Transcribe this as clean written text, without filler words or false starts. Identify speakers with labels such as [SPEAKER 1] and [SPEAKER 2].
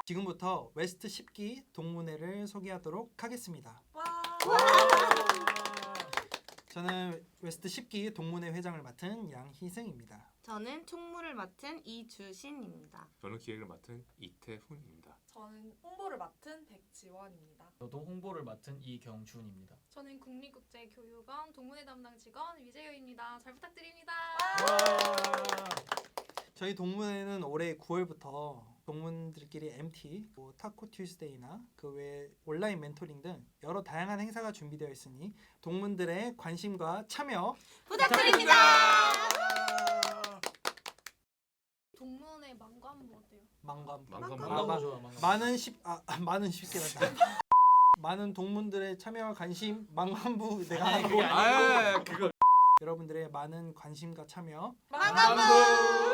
[SPEAKER 1] 지금부터 웨스트 10기 동문회를 소개하도록 하겠습니다. 저는 웨스트 10기 동문회 회장을 맡은 양희승입니다.
[SPEAKER 2] 저는 총무를 맡은 이주신입니다.
[SPEAKER 3] 저는 기획을 맡은 이태훈입니다.
[SPEAKER 4] 저는 홍보를 맡은 백지원입니다.
[SPEAKER 5] 저도 홍보를 맡은 이경준입니다.
[SPEAKER 6] 저는 국립국제교육원 동문회 담당 직원 위재효입니다. 잘 부탁드립니다.
[SPEAKER 1] 저희 동문회는 올해 9월부터 동문들끼리 MT, 타코 튜스데이나 그 외 온라인 멘토링 등 여러 다양한 행사가 준비되어 있으니 동문들의 관심과 참여
[SPEAKER 2] 부탁드립니다.
[SPEAKER 6] 동문회 망고 한번 어때요?
[SPEAKER 1] 망관
[SPEAKER 5] 망고 좋아, 망고.
[SPEAKER 1] 많은 10개란다. 많은 동문들의 참여와 관심 망관부 내가 하고
[SPEAKER 3] 그거
[SPEAKER 1] 여러분들의 많은 관심과 참여
[SPEAKER 2] 망관부